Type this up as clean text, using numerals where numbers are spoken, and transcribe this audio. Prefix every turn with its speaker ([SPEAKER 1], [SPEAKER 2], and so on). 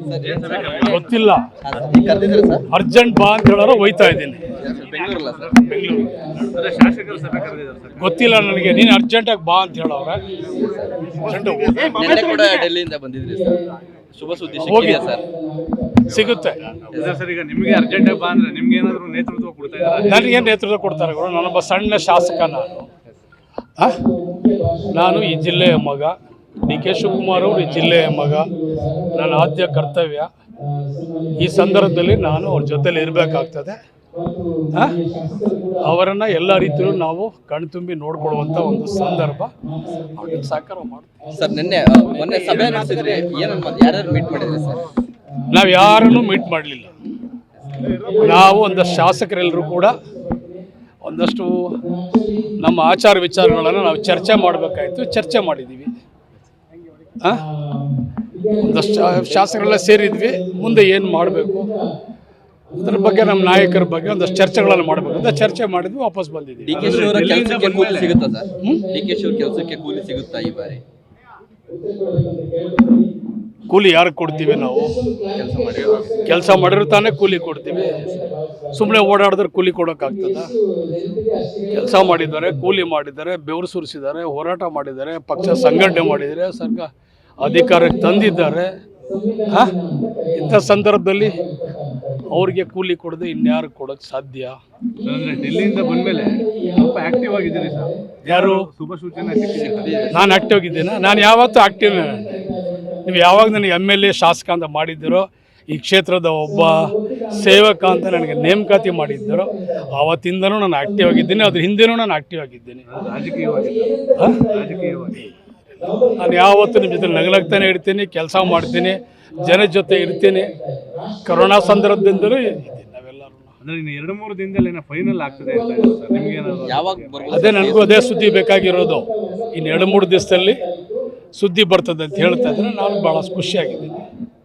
[SPEAKER 1] ಗೊತ್ತಿಲ್ಲ. ಅರ್ಜೆಂಟ್ ಬಾ ಅಂತ ಹೇಳೋರು ಹೋಯ್ತಾ ಇದ್ದೀನಿ. ಗೊತ್ತಿಲ್ಲ ನನಗೆ. ನೀನು ಅರ್ಜೆಂಟಾಗಿ ಬಾ ಅಂತ ಹೇಳೋರೆ.
[SPEAKER 2] ಡೆಲ್ಲಿಯಿಂದ ಬಂದಿದ್ರಿ ಸರ್, ಶುಭ ಸುದ್ದಿ
[SPEAKER 1] ಸಿಗುತ್ತೆ
[SPEAKER 3] ಸರ್. ಈಗ ನಿಮಗೆ ಅರ್ಜೆಂಟಾಗಿ ಬಾ ಅಂದ್ರೆ ನಿಮ್ಗೆ ಏನಾದರೂ ನೇತೃತ್ವ ಕೊಡ್ತಾ ಇದ್ದಾರೆ?
[SPEAKER 1] ನನಗೇನು ನೇತೃತ್ವ ಕೊಡ್ತಾರೆ? ನಾನೊಬ್ಬ ಸಣ್ಣ ಶಾಸಕ. ನಾನು ಈ ಜಿಲ್ಲೆಯ ಮಗ. ಡಿ ಕೆ ಶಿವಕುಮಾರ್ ಅವರು ಈ ಜಿಲ್ಲೆಯ ಮಗ. ನನ್ನ ಆದ್ಯ ಕರ್ತವ್ಯ ಈ ಸಂದರ್ಭದಲ್ಲಿ ನಾನು ಅವ್ರ ಜೊತೆಲಿ ಇರಬೇಕಾಗ್ತದೆ. ಅವರನ್ನು ಎಲ್ಲ ರೀತಿಯಲ್ಲೂ ನಾವು ಕಣ್ತುಂಬಿ ನೋಡ್ಕೊಳ್ಳುವಂಥ ಒಂದು ಸಂದರ್ಭ. ಅವ್ರಿಗೆ ಸಹಕಾರ ಮಾಡ್ತೀವಿ
[SPEAKER 2] ಸರ್. ಮೊನ್ನೆ ಸಭೆ ನಡೆಸಿದ್ರಿ, ಯಾರ್ಯಾರು ಮೀಟ್ ಮಾಡಿದ್ರಿ ಸರ್?
[SPEAKER 1] ನಾವು ಯಾರನ್ನೂ ಮೀಟ್ ಮಾಡಲಿಲ್ಲ. ನಾವು ಒಂದಷ್ಟು ಶಾಸಕರೆಲ್ಲರೂ ಕೂಡ ಒಂದಷ್ಟು ನಮ್ಮ ಆಚಾರ ವಿಚಾರಗಳನ್ನು ನಾವು ಚರ್ಚೆ ಮಾಡಬೇಕಾಯಿತು. ಚರ್ಚೆ ಮಾಡಿದ್ದೀವಿ. ಒಂದಷ್ಟು ಶಾಸಕರೆಲ್ಲ ಸೇರಿದ್ವಿ. ಮುಂದೆ ಏನು ಮಾಡಬೇಕು ಅದ್ರ ಬಗ್ಗೆ ನಮ್ಮ ನಾಯಕರ ಬಗ್ಗೆ ಒಂದಷ್ಟು ಚರ್ಚೆಗಳನ್ನು ಮಾಡಬೇಕು ಅಂತ ಚರ್ಚೆ ಮಾಡಿದ್ವಿ. ವಾಪಸ್ ಬಂದಿದ್ದೀವಿ.
[SPEAKER 2] ಡಿ ಕೆ ಶಿ ಅವರ ಕೆಲಸಕ್ಕೆ ಕೂಲಿ ಸಿಗುತ್ತಾ ಸರ್? ಡಿ ಕೆ ಶಿ ಅವರ ಕೆಲಸಕ್ಕೆ ಕೂಲಿ ಸಿಗುತ್ತಾ ಈ ಬಾರಿ?
[SPEAKER 1] ಕೂಲಿ ಯಾರಿಗೆ ಕೊಡ್ತೀವಿ ನಾವು? ಕೆಲಸ ಮಾಡಿರೋ ತಾನೇ ಕೂಲಿ ಕೊಡ್ತೀವಿ. ಸುಮ್ಮನೆ ಓಡಾಡಿದ್ರೆ ಕೂಲಿ ಕೊಡೋಕ್ಕಾಗ್ತದ? ಕೆಲಸ ಮಾಡಿದ್ದಾರೆ, ಕೂಲಿ ಮಾಡಿದ್ದಾರೆ, ಬೆವರು ಸುರಿಸಿದ್ದಾರೆ, ಹೋರಾಟ ಮಾಡಿದ್ದಾರೆ, ಪಕ್ಷ ಸಂಘಟನೆ ಮಾಡಿದ್ದಾರೆ, ಸರ್ಕಾರ ಅಧಿಕಾರಕ್ಕೆ ತಂದಿದ್ದಾರೆ. ಇಂಥ ಸಂದರ್ಭದಲ್ಲಿ ಅವ್ರಿಗೆ ಕೂಲಿ ಕೊಡದೆ ಇನ್ಯಾರು ಕೊಡೋಕ್ಕೆ ಸಾಧ್ಯ?
[SPEAKER 3] ಅಂದರೆ ಡೆಲ್ಲಿಯಿಂದ ಬಂದಮೇಲೆ ಸ್ವಲ್ಪ ಆ್ಯಕ್ಟಿವ್ ಆಗಿದ್ದೀರಿ ಸರ್.
[SPEAKER 1] ಯಾರು?
[SPEAKER 3] ಶುಭ ಸೂಚನೆ ಸಿಕ್ಕಿದೆ.
[SPEAKER 1] ನಾನು ಆ್ಯಕ್ಟಿವ್ ಆಗಿದ್ದೇನೆ. ನಾನು ಯಾವತ್ತೂ ಆ್ಯಕ್ಟಿವ್. ನೀವು ಯಾವಾಗ ನನಗೆ MLA ಶಾಸಕ ಅಂತ ಮಾಡಿದ್ದೀರೋ, ಈ ಕ್ಷೇತ್ರದ ಒಬ್ಬ ಸೇವಕ ಅಂತ ನನಗೆ ನೇಮಕಾತಿ ಮಾಡಿದ್ದರೋ ಆವತ್ತಿಂದನೂ ನಾನು ಆ್ಯಕ್ಟಿವ್ ಆಗಿದ್ದೀನಿ. ಅದ್ರ ಹಿಂದೆನೂ ನಾನು ಆ್ಯಕ್ಟಿವ್ ಆಗಿದ್ದೀನಿ.
[SPEAKER 3] ರಾಜಕೀಯವಾಗಿ
[SPEAKER 1] ನಾನು ಯಾವತ್ತೂ ನಿಮ್ಮ ಜೊತೆ ನಗಲಾಗ್ತಾನೆ ಇರ್ತೀನಿ, ಕೆಲಸ ಮಾಡ್ತೀನಿ, ಜನ ಜೊತೆ ಇರ್ತೀನಿ. ಕೊರೋನಾ ಸಂದರ್ಭದಿಂದಲೂ ಇದ್ದೀನಿ ನಾವೆಲ್ಲರೂ.
[SPEAKER 3] ಅಂದರೆ ಇನ್ನು 2-3 ದಿನದಲ್ಲಿ ಏನೋ ಫೈನಲ್ ಆಗ್ತದೆ ಅಂತ ಸರ್. ನಿಮಗೇನಾದ್ರು
[SPEAKER 2] ಯಾವಾಗ
[SPEAKER 1] ಅದೇ ನನಗೂ ಅದೇ ಸುದ್ದಿ ಬೇಕಾಗಿರೋದು. ಇನ್ನು 2-3 ದಿವಸದಲ್ಲಿ ಸುದ್ದಿ ಬರ್ತದೆ ಅಂತ ಹೇಳ್ತಾ ಇದ್ರೆ ನಾನು ಭಾಳ ಖುಷಿಯಾಗಿದ್ದೀನಿ.